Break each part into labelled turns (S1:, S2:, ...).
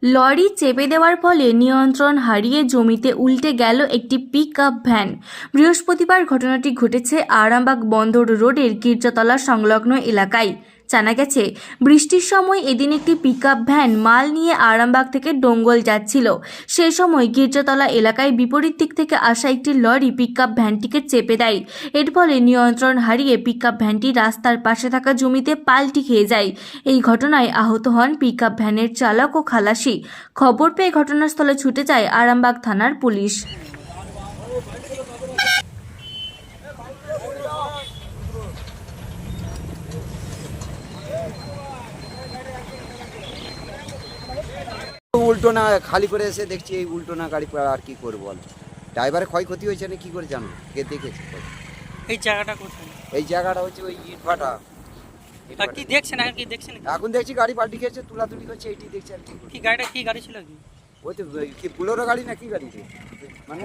S1: Lorry চেপে দেওয়ার ফলে নিয়ন্ত্রণ হারিয়ে জমিতে উল্টে গেল একটি পিকআপ ভ্যান। বৃহস্পতিবার ঘটনাটি ঘটেছে আরামবাগ বন্দর রোডের গির্জাতলা সংলগ্ন এলাকায়। জানা গেছে, বৃষ্টির সময় এদিন একটি পিকআপ ভ্যান মাল নিয়ে আরামবাগ থেকে ডোঙ্গল যাচ্ছিল। সেই সময় গির্জাতলা এলাকায় বিপরীত দিক থেকে আসা একটি লরি পিকআপ ভ্যানটিকে চেপে দেয়। এর ফলে নিয়ন্ত্রণ হারিয়ে পিকআপ ভ্যানটি রাস্তার পাশে থাকা জমিতে পাল্টি খেয়ে যায়। এই ঘটনায় আহত হন পিকআপ ভ্যানের চালক ও খালাসি। খবর পেয়ে ঘটনাস্থলে ছুটে যায় আরামবাগ থানার পুলিশ।
S2: উল্টো না খালি করে এসে দেখছি এই উল্টো না গাড়ি আর কি করবো বল। ড্রাইভারের ক্ষয়ক্ষতি হয়েছে না কি করে জানো, কে দেখেছে?
S3: এই জায়গাটা কোথায়?
S2: এই জায়গাটা হচ্ছে ওই ইটভাটা।
S3: আর কি দেখছেন? আর কি দেখছেন?
S2: এখন দেখছি গাড়ি পাল্টি খেয়েছে, তুলাতুলি করছে, এইটি দেখছি আর কি করবো।
S3: কি গাড়িটা কি গাড়ি ছিল? কি
S2: ওই তো কি বুলোরো গাড়ি না কি গাড়ি রে? মানে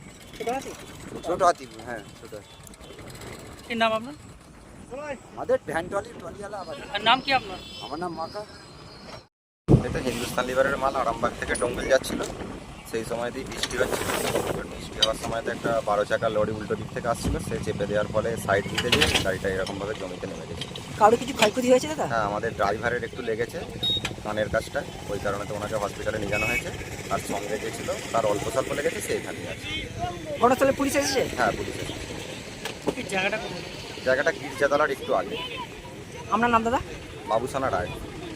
S2: ছোট হাতি। হ্যাঁ ছোট হাতি।
S3: কি নাম আপনার?
S2: আমাদের ভ্যান ট্রলিওয়ালা।
S3: আর নাম কি আপনার?
S2: আমার নাম মাকা।
S4: এটা হিন্দুস্তান লিভারের মাল আরামবাগ থেকে ডোঙ্গল যাচ্ছিল। সেই সময়তেই বৃষ্টি হচ্ছিল। বৃষ্টি হওয়ার সময়তে একটা 12 চাকা লরি উল্টো দিক থেকে আসছিল, সে চেপে দেওয়ার ফলে সাইড দিতে গিয়ে গাড়িটা এরকমভাবে জমিতে নেমে গেছে।
S5: কারো কিছু ক্ষয়ক্ষতি হয়েছে দাদা?
S4: হ্যাঁ, আমাদের ড্রাইভারের একটু লেগেছে কানের কাজটা, ওই কারণে তো ওনাকে হসপিটালে নিয়ে যাওয়া হয়েছে। আর সঙ্গে যে ছিল তার অল্প স্বল্প লেগেছে, সে এখানেই আছে।
S5: ঘটনাস্থলে পুলিশ এসেছে?
S4: হ্যাঁ, পুলিশ এসেছে।
S3: এই জায়গাটা কোথায়?
S4: জায়গাটা গির্জাতলার একটু আগে।
S5: আপনার নাম দাদা?
S4: বাবুসানা রায়।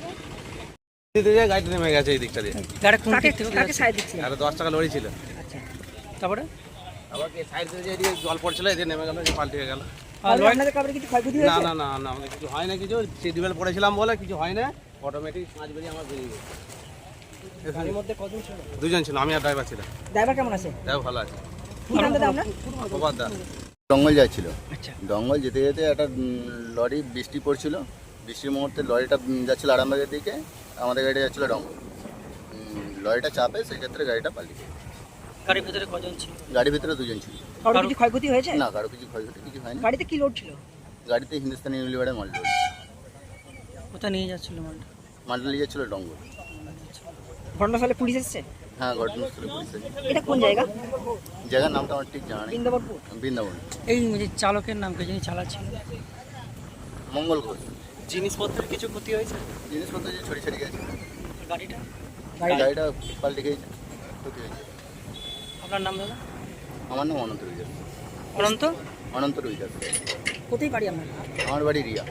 S6: গাড়িটা নেমে গেছে এই দিকটা দিয়ে।
S3: গাড়ি কোন দিক থেকে
S5: কাকে সাইড দিচ্ছে?
S6: আর 10 টাকা লরি ছিল।
S5: আচ্ছা,
S3: তারপরে
S6: আবার সাইড দিয়ে এদিকে জল পড়ছিল, এদিকে নেমে গেল, পাল্টে গেল।
S3: আর লরি
S5: আপনাদের কারোর কিছু ক্ষয়ক্ষতি
S6: না
S5: হয়েছে?
S6: না না না, আমাদের কিছু হয় না, কিছু সিটবেল্ট পড়েছিলাম বলে কিছু হয় না। অটোমেটিক 5 বেরিয়ে আমার বেরিয়ে গেছে।
S5: গাড়ির মধ্যে কজন ছিল?
S6: দুজন ছিল, আমি আর ড্রাইভার ছিলাম।
S5: ড্রাইভার কেমন আছে?
S6: তাও ভালো আছে।
S5: কি নাম দাদা আপনার?
S4: প্রভাত দা। ডঙ্গল যাচ্ছিল।
S5: আচ্ছা,
S4: ডঙ্গল যেতে যেতে একটা লরি, বৃষ্টি পড়ছিল, বৃষ্টির মুহূর্তে লরিটা যাচ্ছিল আরামবাগের দিকে, আমাদের গাড়িটা যাচ্ছিল ডঙ্গল। লরিটা চাপে, সেক্ষেত্রে গাড়িটা পাল্টি গেছে।
S3: গাড়ির ভিতরে কজন ছিল?
S4: গাড়ির ভিতরে দুজন ছিল।
S5: কারোর কিছু ক্ষয়ক্ষতি হয়েছে?
S4: না, কারো কিছু ক্ষয়ক্ষতি কিছু হয়নি।
S5: গাড়িতে কি লোড ছিল?
S4: গাড়িতে হিন্দুস্তানি ইউনিলিভারের মাল ছিল।
S3: কোথায় নিয়ে যাচ্ছিল মালটা?
S4: মালটা নিয়ে যাচ্ছিল ডঙ্গল।
S5: ঘটনাস্থলে পুলিশ এসেছে?
S4: হ্যাঁ, ঘটনাস্থলে পুলিশ এসেছে।
S5: এটা কোন জায়গা?
S4: জায়গার নামটা আমার ঠিক জানা নেই।
S5: বৃন্দাবনপুর?
S4: বৃন্দাবন।
S3: এই যে চালকের নাম কি, যিনি চালাচ্ছিল?
S4: মঙ্গল ঘোষ।
S3: জিনিসপত্রের কিছু ক্ষতি হয়েছে?
S4: জিনিসপত্র যে ছড়ি ছড়ি গেছে,
S3: গাড়িটা?
S4: গাড়িটা পাল্টে গেছে, ক্ষতি হয়েছে।
S3: আপনার নাম দাদা?
S4: আমার নাম অনন্ত রুইদাস।
S3: অনন্ত?
S4: অনন্ত রুইদাস।
S5: কোথায় বাড়ি আপনার?
S4: আমার বাড়ি রিয়া।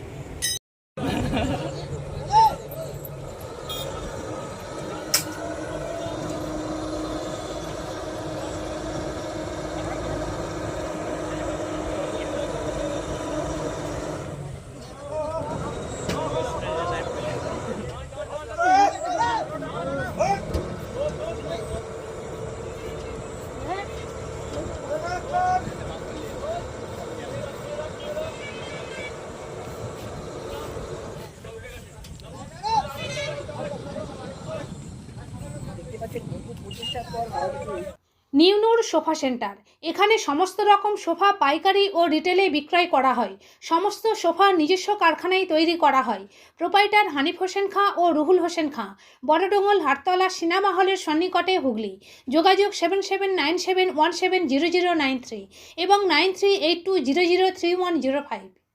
S7: নিউনুর sofa centre. এখানে সমস্ত রকম সোফা পাইকারি ও রিটেলে বিক্রয় করা হয়। সমস্ত সোফা নিজস্ব কারখানায় তৈরি করা হয়। প্রোপাইটার হানিফ হোসেন খাঁ ও রুহুল হোসেন খাঁ, বড়ডোঙ্গল হাটতলা সিনেমা হলের সন্নিকটে, হুগলি। যোগাযোগ 7797170093 এবং 9382003105।